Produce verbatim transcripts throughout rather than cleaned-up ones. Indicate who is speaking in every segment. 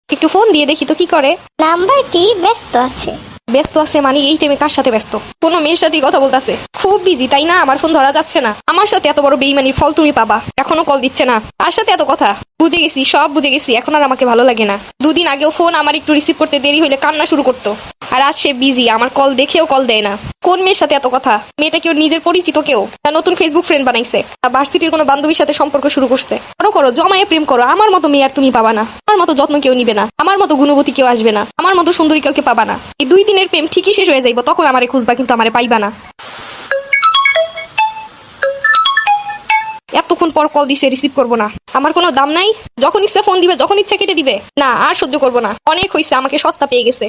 Speaker 1: একটু ফোন দিয়ে দেখি তো কি করে।
Speaker 2: নাম্বারটি ব্যস্ত আছে।
Speaker 1: ব্যস্ত আছে মানে এই টাইমে কার সাথে ব্যস্ত? কোনো মেয়ের সাথেই কথা বলতেছে, খুব বিজি তাই না? আমার ফোন ধরা যাচ্ছে না। আমার সাথে এত বড় বেইমানির ফল তুমি পাবা। এখনো কল দিচ্ছে না, আর সাথে এত কথা। বুঝে গেছি, সব বুঝে গেছি, এখন আর আমাকে ভালো লাগে না। দুদিন আগেও ফোন আমার একটু রিসিভ করতে দেরি হইলে কান্না শুরু করতো, আর আজ সে বিজি, আমার কল দেখেও কল দেয় না। কোন মেয়ের সাথে এত কথা? মেয়েটা কেউ নিজের পরিচিত কেউ, না নতুন ফেসবুক ফ্রেন্ড বানাইছে, ভার্সিটির কোনো বান্ধবীর সাথে সম্পর্ক শুরু করছে? করো করো, জমায়ে প্রেম করো। আমার মতো মেয়ে আর তুমি পাবা না। আমার মতো যত্ন কেউ নিবে না, আমার মতো গুণবতী কেউ আসবে না, আমার মতো সুন্দরী কাউকে পাবা না। এই দুই দিনের প্রেম ঠিকই শেষ হয়ে যাইব, তখন আমারে খুঁজবা, কিন্তু আমারে পাইবা না। এতক্ষণ পর কল দিছে, রিসিভ করবো না। আমার কোনো দাম নাই? যখন ইচ্ছা ফোন দিবে, যখন ইচ্ছা কেটে দিবে। না, আর সহ্য করবো না, অনেক হয়েছে, আমাকে সস্তা পেয়ে গেছে।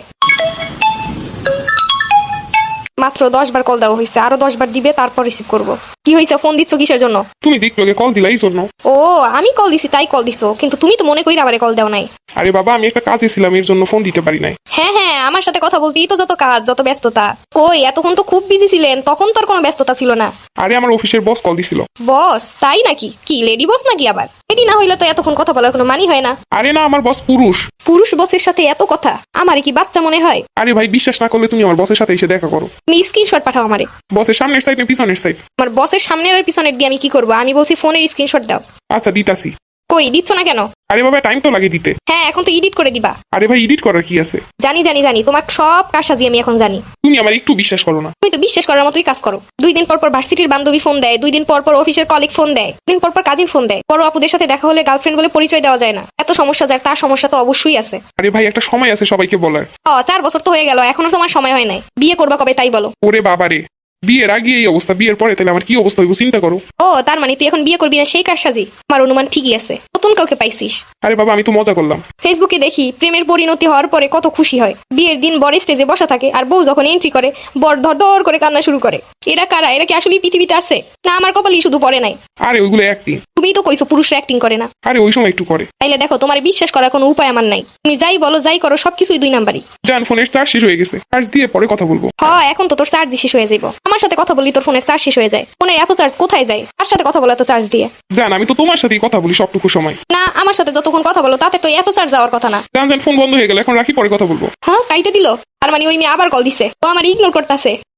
Speaker 1: মাত্র দশ বার কল দেওয়া হয়েছে, আরো দশ বার দিবে, তারপর রিসিভ করবো। কি হয়েছে, ফোন দিচ্ছ কিসের জন্য?
Speaker 3: তুমি যে একটু আগে কল দিলা এই জন্য।
Speaker 1: ও, আমি কল দিছি তাই কল দিছো, কিন্তু তুমি তো মনে করি আবার কল দাও নাই।
Speaker 3: আরে বাবা, আমি একটা কাজে ছিলাম, এর জন্য ফোন দিতে পারি নাই।
Speaker 1: হ্যাঁ হ্যাঁ, আমার সাথে কথা বলতেই তো যত কাজ, যত ব্যস্ততা। কই, এতক্ষণ তো খুব বিজি ছিলেন, তখন তো আর কোনো ব্যস্ততা ছিল না।
Speaker 3: আরে আমার অফিসের বস কল দিছিল।
Speaker 1: বস? তাই নাকি? কি লেডি বস নাকি আবার? লেডি না হইলে তো এতক্ষণ কথা বলার কোনো মানি হয় না।
Speaker 3: আরে না, আমার বস পুরুষ।
Speaker 1: পুরুষ বসের সাথে এত কথা? আমারে কি বাচ্চা মনে হয়?
Speaker 3: আরে ভাই, বিশ্বাস না করলে তুমি আমার বসের সাথে এসে দেখা করো।
Speaker 1: তুমি স্ক্রিনশট পাঠাও আমারে।
Speaker 3: বসের সামনের সাইড না পিছনের সাইড?
Speaker 1: আমার বসের সামনের আর পিছনের দিয়ে আমি কি করবো? আমি বলছি ফোনের স্ক্রিনশট দাও।
Speaker 3: আচ্ছা দিতাছি।
Speaker 1: কই দিচ্ছ না কেন?
Speaker 3: আরে বাবা, টাইম তো লাগে দিতে।
Speaker 1: হ্যাঁ, এখন তো এডিট করে দিবা।
Speaker 3: আরে ভাই, এডিট করার কি আছে?
Speaker 1: জানি জানি জানি, তোমার সব কারসাজি আমি এখন জানি।
Speaker 3: তুমি আমার একটু বিশ্বাস করো না।
Speaker 1: তুমি তো বিশ্বাস করার মতোই কাজ করো। দুই দিন পর পর ভার্সিটির বান্ধবী ফোন দেয়, দুই দিন পর পর অফিসের কলিগ ফোন দেয়, দিন পর পর কাজিন ফোন দেয়। বড় আপুদের সাথে দেখা হলে গার্লফ্রেন্ড বলে পরিচয় দেওয়া যায় না। এত সমস্যা, যার তার সমস্যা তো অবশ্যই আছে।
Speaker 3: আরে ভাই, একটা সময় আছে সবাইকে বলার।
Speaker 1: ও, চার বছর তো হয়ে গেল, এখনো তোমার সময় হয় নাই। বিয়ে করবা কবে তাই বলো?
Speaker 3: ওরে বাবারে, বিয়ের আগে এই অবস্থা, বিয়ের পরে তাহলে আমার কি অবস্থা হইব চিন্তা করো।
Speaker 1: ও, তার মানে তুই এখন বিয়ে করবি না সেই কারসাজি? আমার অনুমান ঠিকই আছে, নতুন কাউকে পাইছিস।
Speaker 3: আরে বাবা, আমি তো মজা করলাম।
Speaker 1: ফেসবুকে দেখি প্রেমের পরিণতি হওয়ার পরে কত খুশি হয়। বিয়ের দিন বর স্টেজে বসা থাকে, আর বউ যখন এন্ট্রি করে বর ধর ধর করে কান্না শুরু করে। এরা কারা? এরা কি আসলে পৃথিবীতে আছে, না আমার কপালই শুধু পড়ে নাই?
Speaker 3: আরে ওইগুলো অ্যাক্টিং।
Speaker 1: তুমিই তো কইছো পুরুষরা অ্যাক্টিং করে না।
Speaker 3: আরে ওই সময় একটু করে।
Speaker 1: তাইলে দেখো, তোমার বিশ্বাস করার কোনো উপায় আমার নাই। তুমি যাই বলো যাই করো, সবকিছুই দুই নাম্বারই।
Speaker 3: জান, ফোনের চার্জ শেষ হয়ে গেছে, চার্জ দিয়ে পরে কথা বলবো।
Speaker 1: হ্যাঁ, এখন তো তোর চার্জ শেষ হয়ে যাইব। আমার সাথে কথা বললি তোর ফোনের চার্জ শেষ হয়ে যায়। ফোনের এত চার্জ কোথায় যায়? আর সাথে কথা বলা তো চার্জ দিয়ে।
Speaker 3: জান, আমি তো তোমার সাথেই কথা বলি সবটুকু সময়।
Speaker 1: না, আমার সাথে যতক্ষণ কথা বলো তাতে তো এত চার্জ যাওয়ার কথা না।
Speaker 3: জান জান, ফোন বন্ধ হয়ে গেল, এখন রাখি, পরে কথা বলবো।
Speaker 1: হ্যাঁ, কাইটা দিল। আর মানে ওই মেয়ে আবার কল দিছে, ও আমার ইগনোর করতেছে।